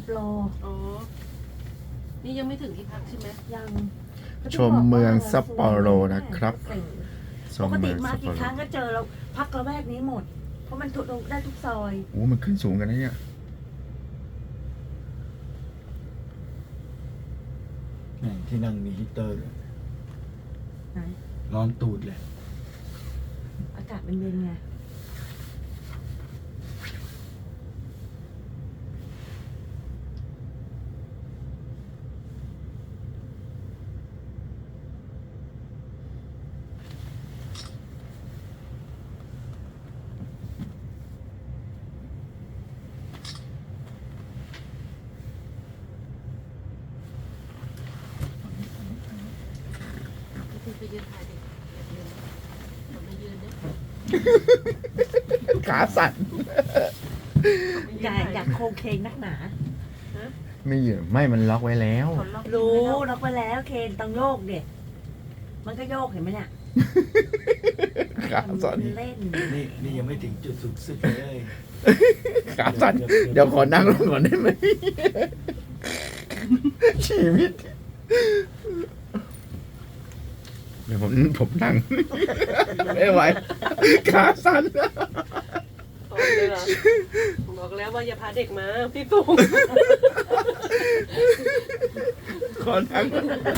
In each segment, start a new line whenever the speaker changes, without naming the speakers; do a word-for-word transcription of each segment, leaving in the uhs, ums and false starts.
โปร
อ๋อนี่ยังไม่ถึงที่พักใช่ไหม
ยัง
ชมเมืองซัปโปโรนะครับช
ป
ม
กติ
เมือง
มา
ซัปโป
กี่
โร
ครั้งก็เจอเราพักระแวกนี้หมด เพราะมันทุกได้ทุกซอย
โอ้มันขึ้นสูงกันนะเนี่ย
แม่งที่นั่งมีฮีตเตอร์ด้วย
ไหน
ร้อนตูดเลย
อากาศเป็นเย็นไง
ไปยืนถ่ายดิยืนผมไม่ยืนเนี่ย
ขาสั่น
อยากอยากโครงเคงนักหนา
ไม่เหยื่อไม่มันล็อกไว้แล้ว
รู้ล็อกไปแล้วเคนต้องโยกเด็มันก็โยกเห็นไหมเนี่ย
ขาสั่น
เล่น
นี่นี่ยังไม่ถึงจุดสุดสุดเลย
ขาสั่นเดี๋ยวขอนั่งลงก่อนได้ไหมชีวิตเดี๋ยวผมผมนั่งไม่ไหวขาสั่น
บอกเลยเหรอบอกแล้วว่าอย่าพาเด็กมาพี่สูง
ขอนั่ง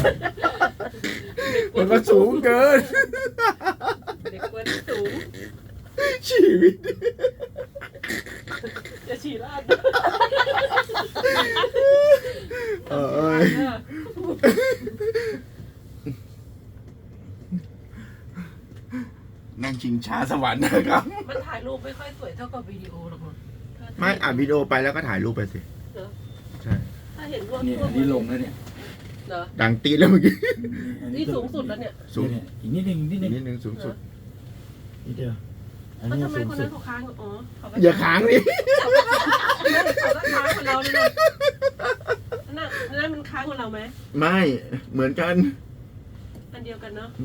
มันก็สูงเกิน
เด็กควรสูง
ชีวิต
จะฉี่ราด
เออเอ้ยนั่งชิงช้าสวรรค์นะครับ
มันถ่ายรูปไม่ค่อยสวยเท่ากับวิดีโอหรอกมั้ง
ไม่อ่านวิดีโอไปแล้วก็ถ่ายรูปไปสิ
เหรอ
ใช่
ถ้าเห็นรวม
เนี่ยอันนี้ลงแล้วเนี่ย
เหรอ
ดังตีแล้วเมื่อกี้
อัน
นี่สูงสุดแล้วเนี่ย
สูง
เนี่ยอีกนิดนึงอีกนิดนึง
นิดนึงสูงสุด
นิดเดียวอัน
แล้ว
นี้
ทำไม
สูง
คน
สุ
นั้
ด
นเขาค้างอ๋อเขาก็
อย่าค้างดิ
เขาก็ค้างกับเราเลยนะนั่นนั่นมันค้างกับเราไหม
ไม่เหมือนกัน
อันเดียวกันเนาะ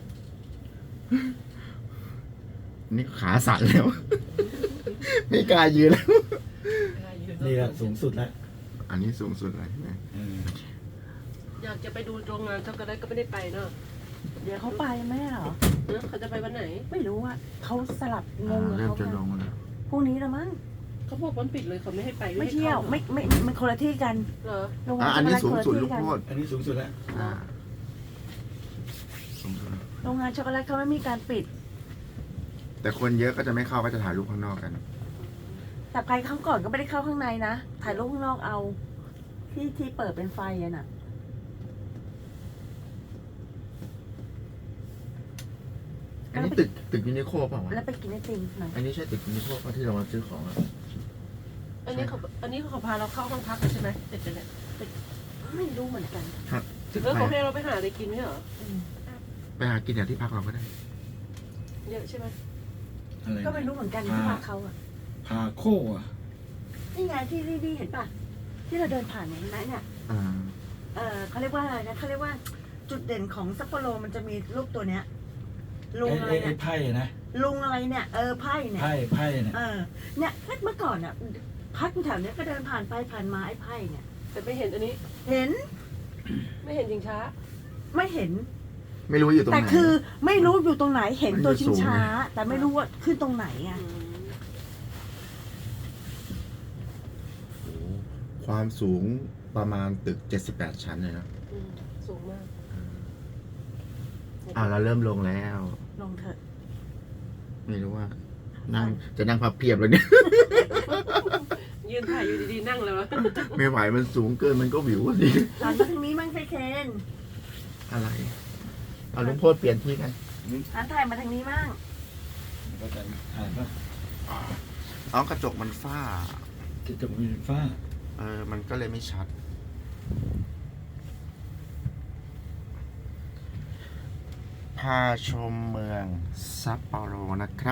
นี่ขาสั่นแล้ว ไม่กล้ายืนแล้ว
นี่แหละสูงสุดแล้ว
อันนี้สูงสุดเลยใช่ไหม
เออ
อยากจะไปดูโรงงานช็อกโกแลตก็ไม่ได้ไปเนาะ
เดี๋ยวเขาไปไหมเหรอ
เออเขาจะไปวันไหน
ไม่รู้อ่ะเขาสลับง
อ่าง
กับ
เริ่ม
เขา
จะลงแล้ว
พรุ่งนี้ละมั้ง
เขาบอกวันปิดเลยเขาไม่ให้ไป
ไม่เที่ยวไม่ไม่มันคนละที่กัน
เหรอ
โรงงา
อ่ะ
น
อันนี้
ช็
สู
อก
ง
โกแลต
สุด
คน
ลู
ละ
ก
ที่
โท
กัน
ษ
อันนี้สูงสุดแล้ว
อ่าสูงสุดแล้ว
โรงงานช็อกโกแลตเขาไม่มีการปิด
แต่คนเยอะก็จะไม่เข้าก็จะถ่ายรูปข้างนอกกัน
แต่ใครเข้าก่อนก็ไม่ได้เข้าข้างในนะถ่ายรูปข้างนอกเอา ที่ที่เปิดเป็นไฟอะน่ะ
อันนี้ตึกตึกยูนิโคเปล่าวะ
แล้วไปกินไอติมหน่อย
อันนี้ใช่ตึกยูนิโคป่ะที่เรามาซื้อของอะ
อันนี้เขาอันนี้เขาพาเราเข้าห้องพักเลยใช่ไหมเด็กเนี่ย
ไม่รู้เหมือนกัน
ตึก
แล้ว
ไป
เขาให้เราไปหาอะไรกินไหมเหรอ
อืม
ไปหากินอย่างที่พักเราก็ได้
เยอะใช่ไหม
อะไร
ก็ไม่รู้เหมือนกันที่พาเขาอะ
พาโคอ่ะ
นี่ไงที่ที่ที่เห็นป่ะที่เราเดินผ่านเนี่ยเห็นไหมเนี่ย
อ่า
เออเขาเรียกว่าอะไรนะเขาเรียกว่าจุดเด่นของซัปโปโรมันจะมีรูปตัวเนี้ยลุง
ไอ้
อะไร
ไอ้ไอ้
เนี่ย
ไพ่นะ
ลุงอะไรเนี่ยเออไพ่เนี่ย
ไพ่ไพ่เนี่ย
เออเนี่ยเมื่อก่อนอ่ะพักอยู่แถวเนี้ยก็เดินผ่านไปผ่านมาไอ้ไพ่เนี่ย
แต่ไม่เห็นอันนี้
เห็น
ไม่เห็นชิงช้า
ไม่เห็น
ไม่รู้อยู่ตรงไห
แต่
น
คือไม่รู้อยู่ตรงไหนเห็น
มัน
ตัว
อยู่
ชิงช้า
สูงไง
แต่ไม่รู้ว่าขึ้นตรงไหนไง
อืม
โอ้โหความสูงประมาณตึกเจ็ดสิบแปดชั้นเลยนะ
อืมสูงมาก
อ่าเราเริ่มลงแล้ว
ลงเถอะ
ไม่รู้ว่า นั่งจะนั่งพับเพียบเลยเนี่ย
ยืนถ่ายอยู่ดีๆนั่งเลยวะ
ไม่ไหวมันสูงเกินมันก็วิวสิ
หันมาทางนี้มั่งไฟเคน
อะไร เอาลุงโพดเปลี่ยนที่กัน
หันถ่ายมาทางนี้มั่ง
ก็จะถ่ายป่ะ
เอากระจกมันฝ้า
จะจะมีฟ้า
เออ มันก็เลยไม่ชัด พาชมเมืองซัปโปโรนะครับ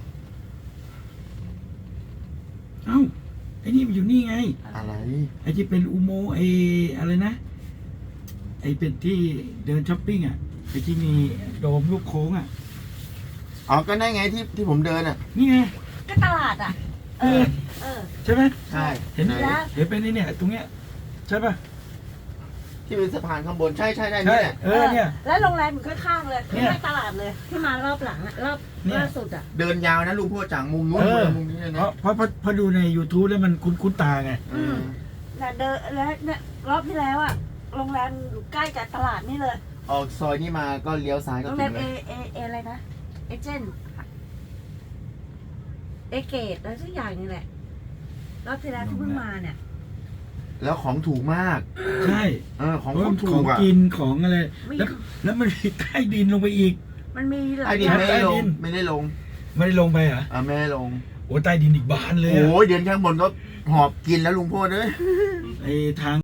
เอ้าไอ้นี่มันอยู่นี่ไง
อะไร
ไอ้ที่เป็นอุโมงค์ไอ้อะไรนะ ไอ้เป็นที่เดินช้อปปิ้งอ่ะไอ้ที่มีโดมลูกโค้งอ่ะ
อ๋อ ก็ได้ไงที่ที่ผมเดินอ่ะ
นี่ไง
ก็ตลาดอ่ะ เเออ เออ
ใช่ไหม
ใช่
เห็น
ไหน
แล้ว
เห็นเป็นนี่เนี่ยตรงเนี้ยใช่ป่ะ
ที่เป็นสะพานข้างบนใช่ใช่ใช่
ใช่
นี่แหละ
เออเนี่ย
แล้วโรงแรมอยู่ข้างๆเลย
เนี่ย
ข้างๆตลาดเลย ที่มารอบหลังอะรอบ
เนี่ย
ล่าสุดอะ
เดินยาวนะลุงพ่อจากมุมนู้น
เออ
มามุมนี้เลย
เพ
นะ
ราะเพราะเพราะเพราะดูใน YouTube แล้วมันคุ้นคุ้นตาไง
อืม
แต่เดินแล้วเนี่ยรอบที่แล้วอะโรงแรมอยู่ใกล้กับตลาดนี่เลย
ออกซอยนี้มาก็เลี้ยวซ้ายก็
โรง
ถึ
แรม
งเล
เอย เอเออะไรนะ เอเจนต์เอเกตอะไรสักอย่างนี่แหละ รอบที่แล้วที่เพิ่งมาเนี่ย
แล้วของถูกมาก
ใช่
เออของ
เพราะ
คนถู
ของ
กอ่ะ
กินของอะไร
มี
แล้วแล้วมันมีใต้ดินลงไปอีก
มันมีหลา
ไอ้
ย
ดิน
อย่าง
ไม่ได้ล
ใต้ดิ
ง
น
ไม่ได้ลง
ไม่ได้ลงไปเหรอ
อ่าไม่ได้ลง
โอ้ใต้ดินอีกบานเลยอะ
โอ้ยเดินข้างบนก็หอบกินแล้วลุงพ่อเด้ย
ไอ้ทาง